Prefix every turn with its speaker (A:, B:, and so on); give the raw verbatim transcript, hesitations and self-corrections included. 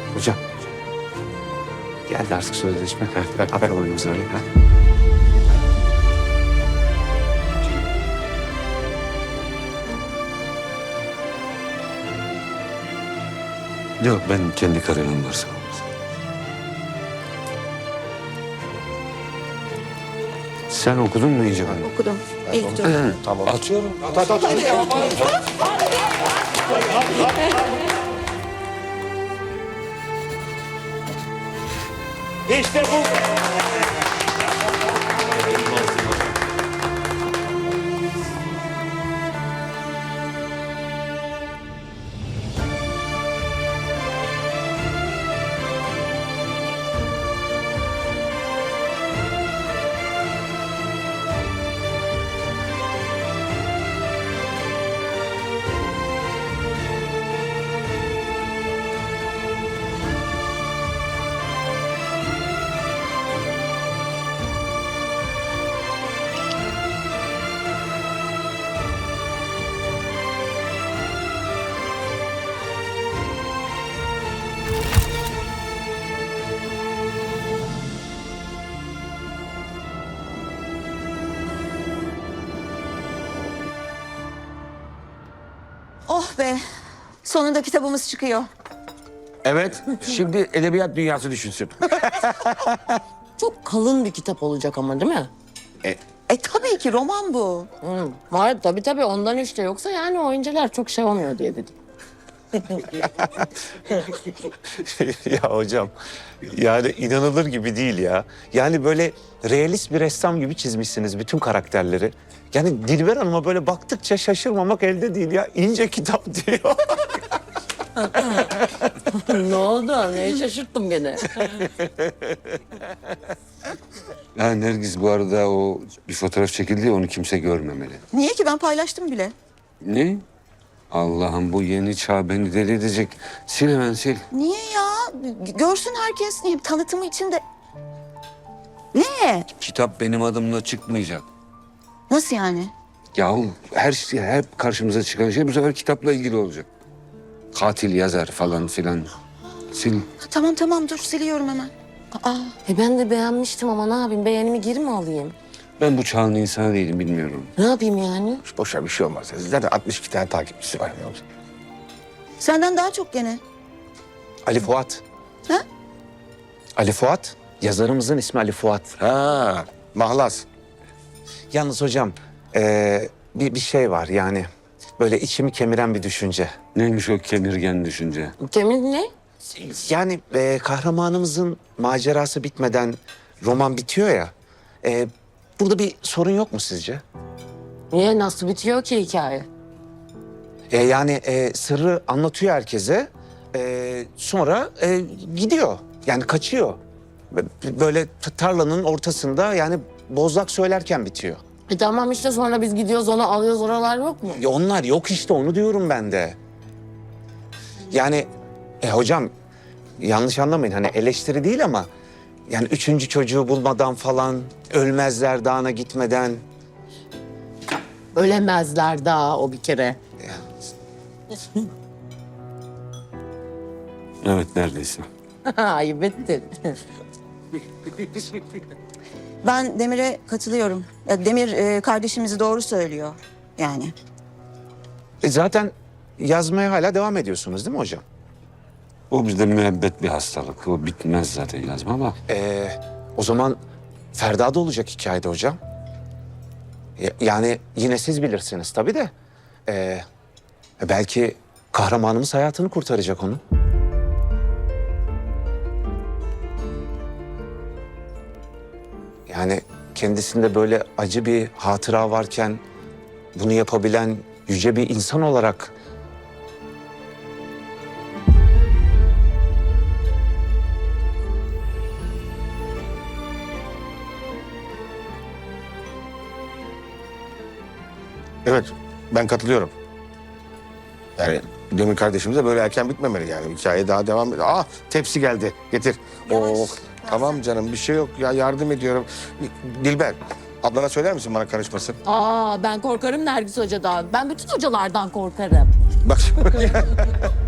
A: Hocam. Geldi artık sözleşme. Haber oyunumuz öyle. Ha?
B: Yok, ben kendi kararım varsa.
A: Sen okudun mu iyice?
C: Okudum. İlk dönem.
A: Tamam.
B: Atıyorum.
D: İşte bu.
C: Oh be. Sonunda kitabımız çıkıyor.
E: Evet, şimdi edebiyat dünyası düşünsün.
F: Çok kalın bir kitap olacak ama değil mi?
C: E tabii ki roman bu.
F: Hı. Var tabii tabii ondan işte yoksa yani oyuncular çok şey olmuyor diye dedim.
A: Ya hocam, yani inanılır gibi değil ya. Yani böyle realist bir ressam gibi çizmişsiniz bütün karakterleri. Yani Dilber Hanım'a böyle baktıkça şaşırmamak elde değil ya. İnce kitap diyor.
F: Ne oldu? Neye şaşırttım gene?
B: Ha, Nergis, bu arada o bir fotoğraf çekildi ya, onu kimse görmemeli.
C: Niye ki, ben paylaştım bile.
B: Ne? Allah'ım, bu yeni çağ beni deli edecek. Sil hemen sil.
C: Niye ya? Görsün herkes. Niye? Tanıtımı için de... Ne?
B: Kitap benim adımla çıkmayacak.
C: Nasıl yani?
B: Yahu her şey, hep karşımıza çıkan şey bu sefer kitapla ilgili olacak. Katil yazar falan filan. Sil.
C: Tamam tamam, dur siliyorum hemen. Aa,
F: E ben de beğenmiştim ama ne yapayım? Beğenimi geri mi alayım?
B: Ben bu çağın insanı değilim, bilmiyorum.
F: Ne yapayım yani?
E: Boşa bir şey olmaz. Zaten altmış iki tane takipçisi var.
C: senden daha çok gene.
A: Ali Fuat.
C: Ha?
A: Ali Fuat. Yazarımızın ismi Ali Fuat.
E: Ha, mahlas.
A: Yalnız hocam, eee, bir, bir şey var yani. Böyle içimi kemiren bir düşünce.
B: Neymiş o kemirgen düşünce?
F: Kemir ne?
A: Yani eee, kahramanımızın macerası bitmeden roman bitiyor ya. eee, burada bir sorun yok mu sizce?
F: Niye? Nasıl bitiyor ki hikaye?
A: E, yani e, sırrı anlatıyor herkese. E, sonra e, gidiyor. Yani kaçıyor. Bö- Böyle t- tarlanın ortasında yani bozlak söylerken bitiyor.
F: E tamam işte sonra biz gidiyoruz onu alıyoruz, oralar yok mu?
A: Ya onlar yok işte, onu diyorum ben de. Yani e, hocam yanlış anlamayın, hani eleştiri değil ama... Yani üçüncü çocuğu bulmadan falan, Ölmezler Dağı'na gitmeden...
F: Ölemezler daha o bir kere.
B: Evet, neredeyse.
F: Ayıp ettin.
C: Ben Demir'e katılıyorum. Ya Demir e, kardeşimizi doğru söylüyor yani.
A: E, zaten yazmaya hala devam ediyorsunuz değil mi hocam?
B: O bizde müebbet bir hastalık. O bitmez zaten yazma ama.
A: Ee, o zaman Ferda da olacak hikayede hocam. Ya- Yani yine siz bilirsiniz tabii de. Ee, belki kahramanımız hayatını kurtaracak onu. Yani kendisinde böyle acı bir hatıra varken bunu yapabilen yüce bir insan olarak...
E: Evet, ben katılıyorum. Yani Demir kardeşimize böyle erken bitmemeli yani. Hikaye daha devam ediyor. Ah, tepsi geldi. Getir. Oh, tamam canım, bir şey yok ya, yardım ediyorum. Dilber, ablana söyler misin bana karışmasın?
F: Aa ben korkarım Nergis Hoca'dan. Ben bütün hocalardan korkarım.
E: Bak